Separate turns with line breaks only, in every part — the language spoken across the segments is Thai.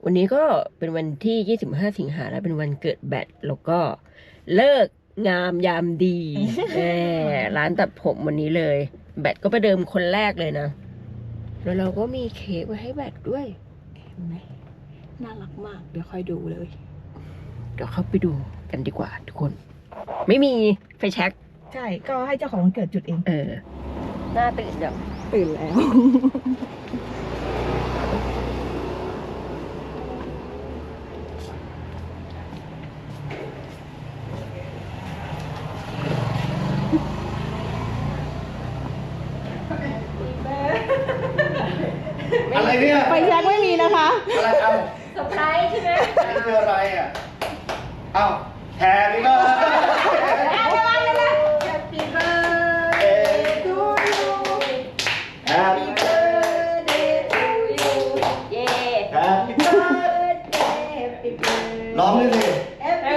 วันนี้ก็เป็นวันที่25สิงหาแล้วเป็นวันเกิดแบทแล้วก็เลิกงามยามดี ร้านตัดผมวันนี้เลยแบทก็ประเดิมคนแรกเลยนะแล้วเราก็มีเค้กไว้ให้แบทด้วยเห็นไหมน่ารักมากเดี๋ยวค่อยดูเลยเดี๋ยวเข้าไปดูกันดีกว่าทุกคนไม่มีไฟแช็ก
ใช่ก็ให้เจ้าของวันเกิดจุดเอง
หน้าตื่นจัง
ตื่นแล้ว
อะไรเนี่ย
ไฟแช็กไม่มีนะคะ
อะไรเอา
เซอร์ไพรส์ใช่ไหม
นี่คืออะไรอ่ะเอ้าแฮปปี้เบิร์ด
Happy birthday to you
แฮปปี้เบิร์ด
birthday to you เย้
แฮปปี้เบิร์ด
Happy birthday
ร้องด้วยสิ
Happy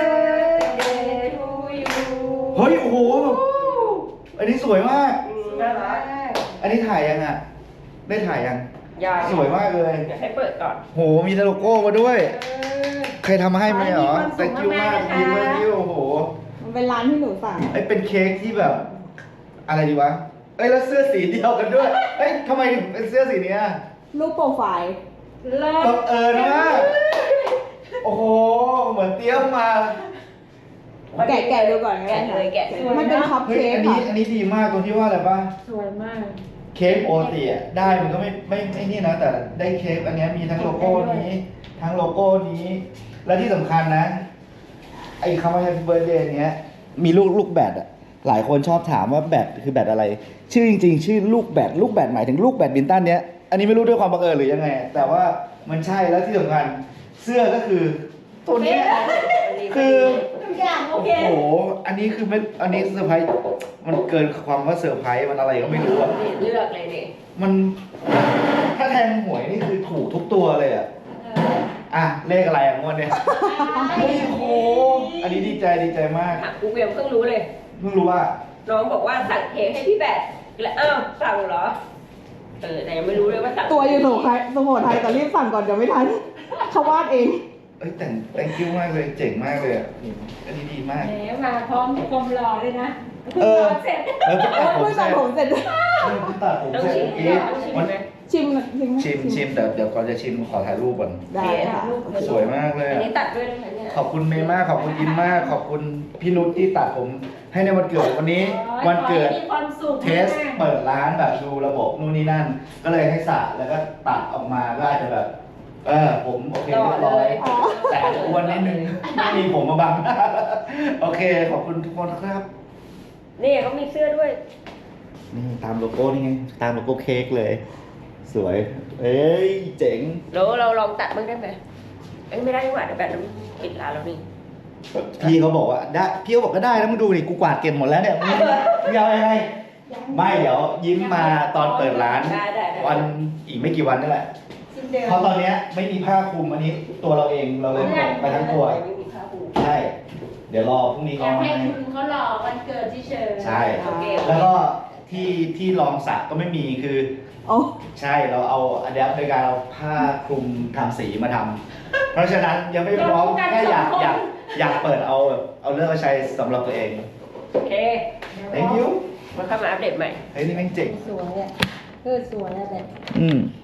birthday to you
เฮ้ยโอ้โหอันนี้สวยมาก
น่ารัก
อันนี้ถ่ายยังอ่ะได้ถ่ายยัง
ยัง
สวยมากเลย
เดี๋ยวให้เปิดก่อน
โหมีโลโก้มาด้วยใครทำมาให้ไหมเหรอ thank you มาก thank you โอ้โห
มันเป็นร้านที่หนูสั่ง
ไอ้เป็นเค้กที่แบบ อะไรดีวะเอ้ยแล้วเสื้อสีเดียวกันด้วยเอ้ยทำไมถึงเป็นเสื้อสีเนี้ย
รูปโปรไฟล์
เลิศ
บังเอิญมากโอ้โหเหมือนเตรียมมา
แกะดูก่อน
แกะเลยแกะเลย
มันเป็นคัพ
เฮ้ย
เค้ก
อันนี้
ค่ะ
อันนี้ดีมากตรงที่ว่าอะไรป่ะ
สวยมาก
เค้กปกติอะได้มันก็ไม่นี่นะแต่ได้เค้กอันเนี้ยมีทั้งโลโก้นี้ ทั้งโลโก้นี้ และที่สำคัญนะ ไอ้คำว่า Happy Birthday เนี้ยมีลูกแบดอะหลายคนชอบถามว่าแบดคือแบดอะไร ชื่อจริงๆ ชื่อลูกแบดหมายถึงลูกแบดมินตันเนี้ยอันนี้ไม่รู้ด้วยความบังเอิญหรือยังไง แต่ว่ามันใช่แล้วที่สำคัญเสื้อก็คือตัวเนี้ยคือ
ทุกอย่างโอ
โอ้
เค
โหอันนี้คือไม่อันนี้เซอร์ไพรส์มันเกินความว่าเซอร์ไพรส์มันอะไรก็ไม่รู้อะ
นี่เลือกเลยนี่
มันถ้าแทงหวยนี่คือถูกทุกตัวเลยอะอ่ะเลขอะไรอ่ะงวดเนี้ยเฮ้ยโอ้โหอันนี้ดีใจมาก
ถามกูเวียมเพิ่งรู้เลย
เพิ่งรู้ว่า
น้องบอกว่าสั่งเค้กให้พี่แบทแล้วอ้าวสั่งเหรอ แต่ยังไม่รู้เลยว่าสั่ง
ตัวอยู่สุโขทัยแต่รีบสั่งก่อนเดี๋ยวไม่ทันเขาวาดเอง
เอ้ยแต่ง thank you มากเลยเจ๋งมากเลยอ่ะอันนี้ดีมาก
แหมมาพร้อมความหล่อเลยนะ
เออ
เสร็จ
แล้วก็ตัดผม
เพิ่ง
เส
ตั
ร็
ด
จ
ผมเสร็จ
เพิ่งตัดผม
ต้อง
เสร็จ
ชิม
เมื่อกี้
ต้องชิม
มัน
ไหม
ชิม
แต่เดี๋ยวก่อนจะชิมขอถ่ายรูปก่อน
ได้ค่ะ
สวยมากเลย
อัน
อะ
นี้ตัดด้วยนะคะเนี่ย
ขอบคุณเมย์มากขอบคุณอินมาก ขอบคุณพี่นุชที่ตัดผมให้ในวันเกิดวันนี้ วันเกิด
ขอให้มีความสุข
เทสเปิดร้านแบบดูระบบนู่นนี่นั่น ก็เลยให้สระแล้วก็ตัดออกมาก็อาจจะแบบผมโอเคเรียบร้อยแต่อาจจะอ้วนนิดนึงไม่มีผมมาบัง โอเคขอบคุณทุกคนครับ
นี่เขามีเสื้อด้วย
นี่ตามโลโก้นี่ไงตามโลโก้เค้กเลย สวย เอ้ยเจ๋ง
แล้วเราลองตัดบ้างได้ไหมไม่ได้ดีกว่าเดี๋ยวแบบนั้นปิดร้านแล้วนี่
พี่เขาบอกว่าได้พี่เขาบอกก็ได้นะมึงดูนี่กูกวาดเก็บหมดแล้วเนี่ยมึงเอายังไงไม่เดี๋ยวยิ้มมาตอนเปิดร้าน
ได้
วันอีกไม่กี่วันนี่แหละ
สิ้นเดือน
เพราะตอนเนี้ยไม่มีผ้าคลุมอันนี้ตัวเราเองเราเลยหมดไปทั้งตัว
ไม่มีผ้าปู
ใช่ เดี๋ยวรอพรุ่งนี้
อ
เขา
ยาก
มา
ให้
ให้
คุณเขาหล่อวันเกิดที่เชิญ
ใช่
โอเค
แล้วก็ที่รองสักก็ไม่มีคือ
โอ้
ใช่เราเอาอันเนี้ยโดยการเอาผ้าคลุมทำสีมาทำเพราะฉะนั้นยังไม่พร้อมแค่อยากเปิดเอาแบบเอาเรื่องมาใช้สำหรับตัวเอง
โอเค
thank you
มาเข้ามาอัปเดตใหม่
เฮ้ยนี่แม่งเจ๋ง
สวยอ่ะสวยอ่ะแบบ
อืม